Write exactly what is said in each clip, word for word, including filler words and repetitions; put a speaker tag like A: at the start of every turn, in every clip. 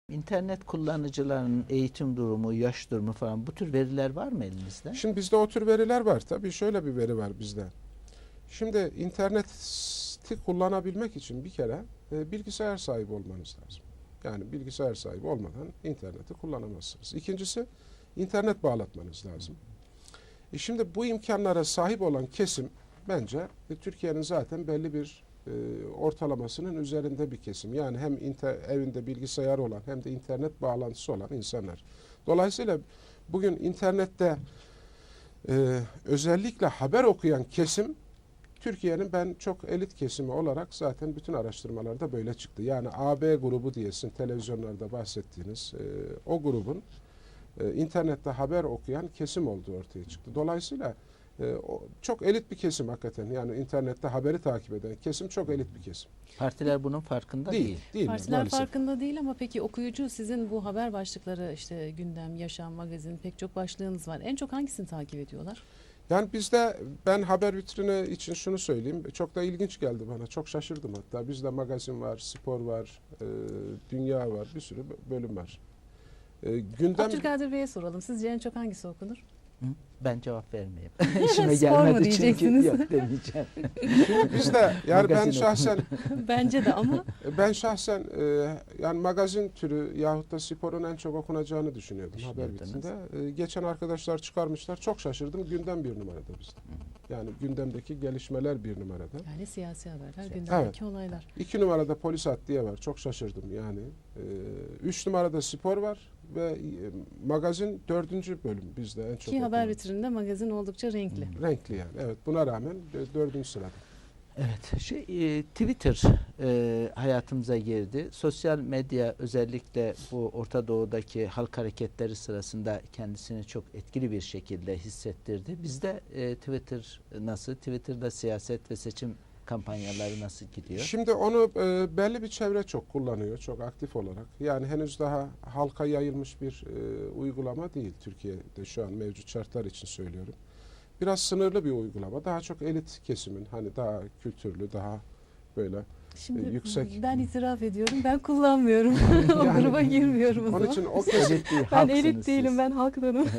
A: İnternet kullanıcılarının eğitim durumu, yaş durumu falan bu tür veriler var mı elinizde?
B: Şimdi bizde o tür veriler var. Tabii şöyle bir veri var bizde. Şimdi interneti kullanabilmek için bir kere e, bilgisayar sahibi olmanız lazım. Yani bilgisayar sahibi olmadan interneti kullanamazsınız. İkincisi internet bağlatmanız lazım. E şimdi bu imkanlara sahip olan kesim bence e, Türkiye'nin zaten belli bir e, ortalamasının üzerinde bir kesim. Yani hem inter, evinde bilgisayar olan hem de internet bağlantısı olan insanlar. Dolayısıyla bugün internette e, özellikle haber okuyan kesim Türkiye'nin ben çok elit kesimi olarak zaten bütün araştırmalarda böyle çıktı. Yani A B grubu diyesin televizyonlarda bahsettiğiniz e, o grubun e, internette haber okuyan kesim olduğu ortaya çıktı. Dolayısıyla e, o, çok elit bir kesim hakikaten. Yani internette haberi takip eden kesim çok elit bir kesim.
A: Partiler bunun farkında değil.
B: Değil. değil
C: Partiler
B: maalesef.
C: farkında değil ama peki okuyucu sizin bu haber başlıkları işte gündem, yaşam, magazin pek çok başlığınız var. En çok hangisini takip ediyorlar?
B: Yani bizde ben haber vitrini için şunu söyleyeyim. Çok da ilginç geldi bana. Çok şaşırdım hatta. Bizde magazin var, spor var, e, dünya var. Bir sürü bölüm var. E, gündem
C: Abdülkadir Bey'e soralım. Sizce en çok hangisi okunur?
A: Hı? Ben cevap vermeyeyim. İşime
C: Spor mu
A: gelmedi çünkü.
C: diyeceksiniz?
A: Yok demeyeceğim.
B: Şimdi bizde yani ben
A: Magazin
B: şahsen
C: Bence de ama
B: ben şahsen e, yani magazin türü yahut da sporun en çok okunacağını düşünüyordum haber
A: Düşünüyordunuz.
B: vitrinde. E, geçen arkadaşlar çıkarmışlar. Çok şaşırdım. Gündem bir numarada bizde. Yani gündemdeki gelişmeler bir numarada.
C: yani siyasi haberler,
A: Evet.
C: gündemdeki olaylar.
B: İki numarada polis adliye var. Çok şaşırdım yani. E, üç numarada spor var ve e, magazin dördüncü bölüm bizde en çok
C: Ki haber
B: okunan.
C: vitrininde magazin oldukça renkli.
A: Hı.
B: Renkli yani. Evet, buna rağmen e, dördüncü sırada.
A: Evet, şey e, Twitter e, hayatımıza girdi. Sosyal medya özellikle bu Orta Doğu'daki halk hareketleri sırasında kendisini çok etkili bir şekilde hissettirdi. Bizde e, Twitter nasıl? Twitter'da siyaset ve seçim kampanyaları nasıl gidiyor?
B: Şimdi onu e, belli bir çevre çok kullanıyor, çok aktif olarak. Yani henüz daha halka yayılmış bir e, uygulama değil Türkiye'de şu an mevcut şartlar için söylüyorum. Biraz sınırlı bir uygulama. Daha çok elit kesimin, hani daha kültürlü, daha böyle.
C: Şimdi
B: yüksek.
C: ben itiraf ediyorum. Ben kullanmıyorum. o
B: Yani
C: gruba girmiyorum o
B: Onun
C: zaman.
B: için o kesim,
A: Elit değil,
C: Ben
A: halksınız
C: elit değilim.
A: siz.
C: Ben halktanım.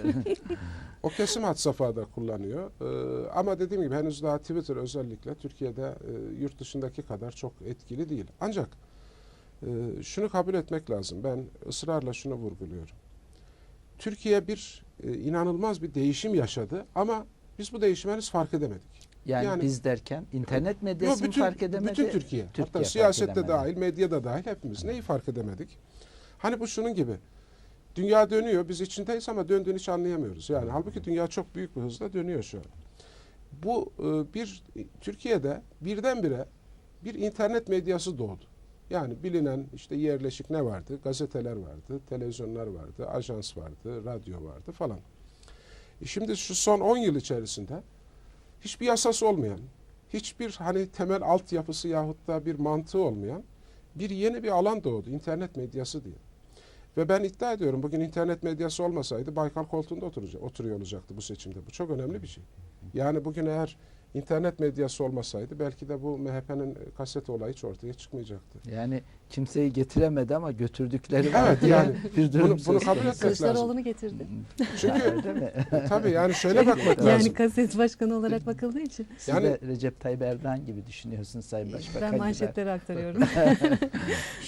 B: o kesim had safhada kullanıyor. Ee, ama dediğim gibi henüz daha Twitter özellikle Türkiye'de e, yurt dışındaki kadar çok etkili değil. Ancak e, şunu kabul etmek lazım. Ben ısrarla şunu vurguluyorum. Türkiye bir e, inanılmaz bir değişim yaşadı ama biz bu değişimi henüz fark edemedik.
A: Yani,
B: Yani-
A: biz derken internet medyası
B: Yo,
A: mı fark edemedi?
B: Bütün Türkiye.
A: Türkiye
B: Hatta
A: fark
B: siyasette
A: edemedi.
B: dahil, medyada dahil hepimiz neyi fark edemedik? Hani bu şunun gibi. Dünya dönüyor, biz içindeyiz ama döndüğünü hiç anlayamıyoruz. Yani halbuki dünya çok büyük bir hızla dönüyor şu an. Bu e, bir Türkiye'de birdenbire bir internet medyası doğdu. Yani bilinen işte yerleşik ne vardı? Gazeteler vardı, televizyonlar vardı, ajans vardı, radyo vardı falan. E şimdi şu son on yıl içerisinde hiçbir yasası olmayan, hiçbir hani temel altyapısı yahut da bir mantığı olmayan bir yeni bir alan doğdu. İnternet medyası diye. Ve ben iddia ediyorum bugün internet medyası olmasaydı Baykal koltuğunda oturacak, oturuyor olacaktı bu seçimde. Bu çok önemli bir şey. Yani bugün eğer internet medyası olmasaydı belki de bu M H P'nin kaset olayı hiç ortaya çıkmayacaktı.
A: Yani kimseyi getiremedi ama götürdükleri var
B: Evet,
A: diye
B: yani
A: bir durum
B: bunu- bunu
A: söz
B: kabul
A: konusu.
B: etmek lazım.
C: Kılıçdaroğlu'nu getirdi.
B: Çünkü
A: Öyle mi?
B: tabii yani şöyle bakmak
C: Yani
B: lazım.
C: kaset başkanı olarak bakıldığı için.
A: Siz
B: Yani-
A: de Recep Tayyip Erdoğan gibi düşünüyorsunuz Sayın Başbakan
C: Ben
A: gibi.
C: manşetleri aktarıyorum.